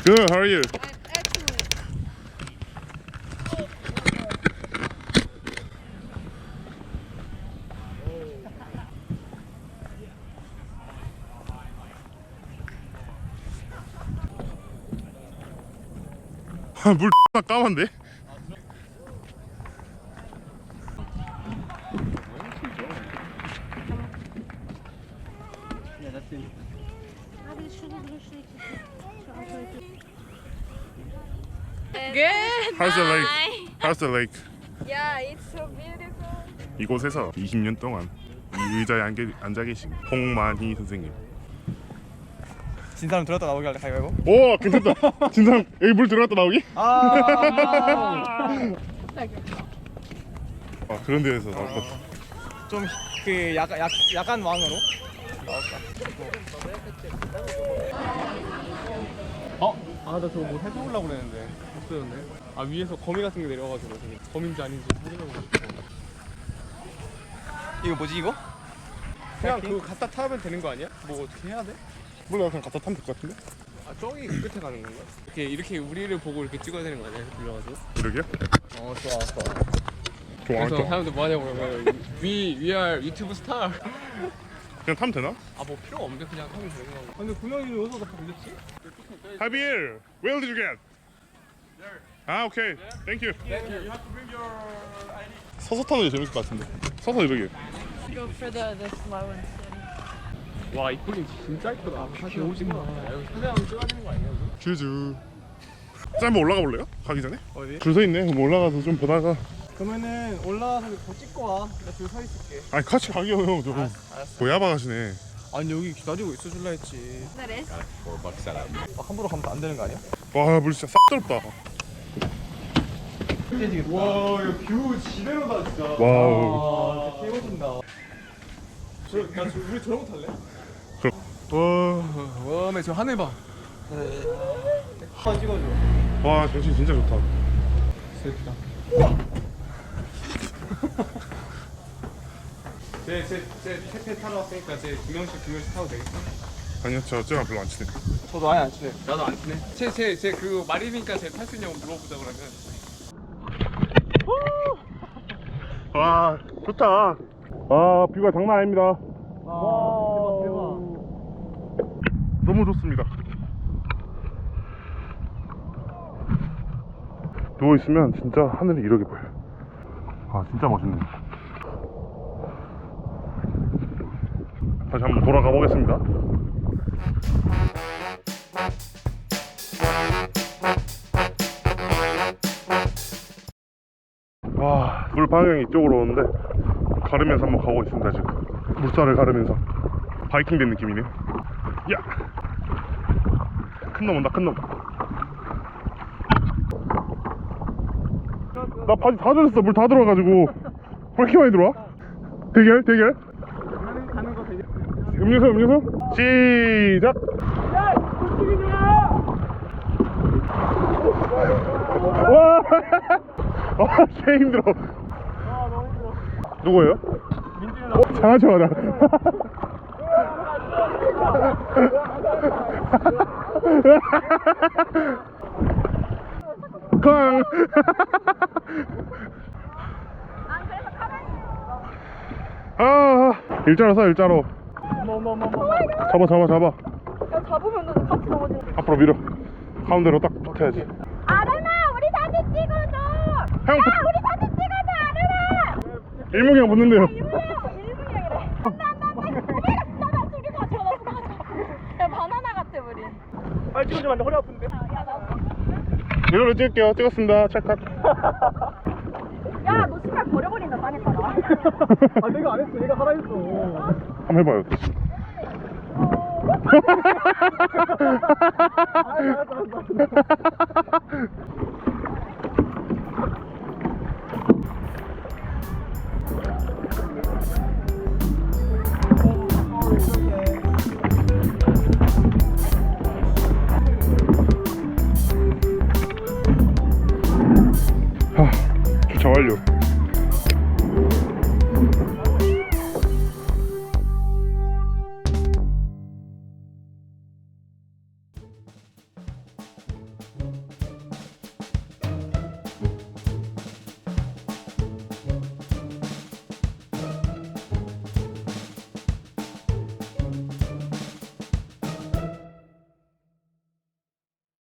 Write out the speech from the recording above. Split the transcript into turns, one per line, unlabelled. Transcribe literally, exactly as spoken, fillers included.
Good. How are you? 물 X나 까만데?
Good.
How's the lake?
Bye.
How's the lake?
Yeah, it's so beautiful.
이곳에서 이십 년 동안 이 의자에 앉게, 앉아 계신 홍만희 선생님.
진 사람 들었다 나오게 할래 가위바위보?
오 괜찮다. 진상 여기 물 들어갔다 나오기?
아,
아 그런 데에서 나올 것 같아.
좀 그 약간 약 약간 왕으로. 어? 아 나 저거 뭐 해보려고 그랬는데 없어졌네. 아 위에서 거미 같은 게 내려와가지고 저기 거미인지 아닌지 확인하고 싶어. 이거 뭐지 이거? 그냥 그거 갖다 타면 되는 거 아니야? 뭐 어떻게 해야 돼?
몰라 그냥 갖다 타면 될 것 같은데?
아 저기 그 끝에 가는 건가? 이렇게 이렇게 우리를 보고 이렇게 찍어야 되는 거 아니야? 이렇게 돌려가지고.
이러게요?
어 좋아 좋아.
좋아
그래서
좋아.
사람들 뭐 하냐고 그러면 We we are 유튜브 스타.
그냥 타면 되나?
아 뭐 필요 없는데 그냥 타면 되는 거고. 근데 구명이는 여기서 다 걸렸지?
Javier, where did you get? 아 오케이, thank you. 서서 타는 게 재밌을 것 같은데. 서서 이러게.
Go for the the slow and steady.
와 이쁘긴 진짜 이쁘다. 사진 오지마. 여기 사진 한번 찍어야 되는 거 아니야?
쭈쭈. 자 한번 올라가 볼래요? 가기 전에?
어디?
줄 서 있네. 그럼 올라가서 좀 보다가.
그러면은 올라와서 더 찍고 와. 나 줄 서 있을게.
아니 같이 가기요 형. 좀
알았어.
고야바 가시네.
아니 여기 기다리고 있어줄라 했지.
That is.
아, 함부로 가면 안 되는 거 아니야?
와 물 진짜 싹 더럽다.
와 이거 뷰 지대로다 진짜.
와우.
와 진짜 개워진다. 저나 저, 우리 저런 거 탈래?
와,
와매 저 하늘 봐. 한 찍어줘.
와 정신 진짜 좋다.
됐다. 제제제 택배 타러 왔으니까 제 두 명씩 두 명씩 타도 되겠어?
아니요 저 쟤랑 별로 안 친해.
저도 아예 안 친해. 나도 안 친해. 제제제 그 말이니까 제 탈 수 있냐고 물어보자 그러면.
와 좋다. 아 뷰가 장난 아닙니다.
와 대박
너무 좋습니다. 누워 있으면 진짜 하늘이 이렇게 보여. 아 진짜 멋있네. 다시 한번 돌아가 보겠습니다. 와, 물 방향이 이쪽으로 오는데 가르면서 한번 가고 있습니다. 지금 물살을 가르면서 바이킹 된 느낌이네요. 야, 큰 놈 온다, 큰 놈. 나 바지 다 젖었어. 물 다 들어와가지고. 왜 이렇게 많이 들어와? 대결, 대결.
가는 가는 거 되게.
음료수, 음료수. 시작. 와, 와, 개 힘들어.
아 너무 힘들어.
누구예요?
민준이
어, 장아찌 맞아. 쾅. 아, 일자로 서 일자로.
어머 어머 어머 어머.
잡아 잡아 잡아.
야 잡으면 너 같이 넘어지는.
앞으로 밀어. 가운데로 딱 붙어야지.
아르마, 우리 사진 찍어줘.
형,
야, 우리 사진 찍어줘, 아르마.
일목이 형 붙는데요.
일분이랑 일분이랑이래. 안돼 안돼 안돼. 나나 둘이 가져, 나 가져. 야 바나나 같아 우리.
빨리 찍어주면 안 돼. 허리 아픈데.
야 나.
이걸로 찍을게요. 찍었습니다. 찰칵.
야, 너 신발 버려버린다 당했다 나.
아 내가 안 했어. 얘가 하라 했어.
한번 해봐요.
알았어 알았어.
하, 주차 완료.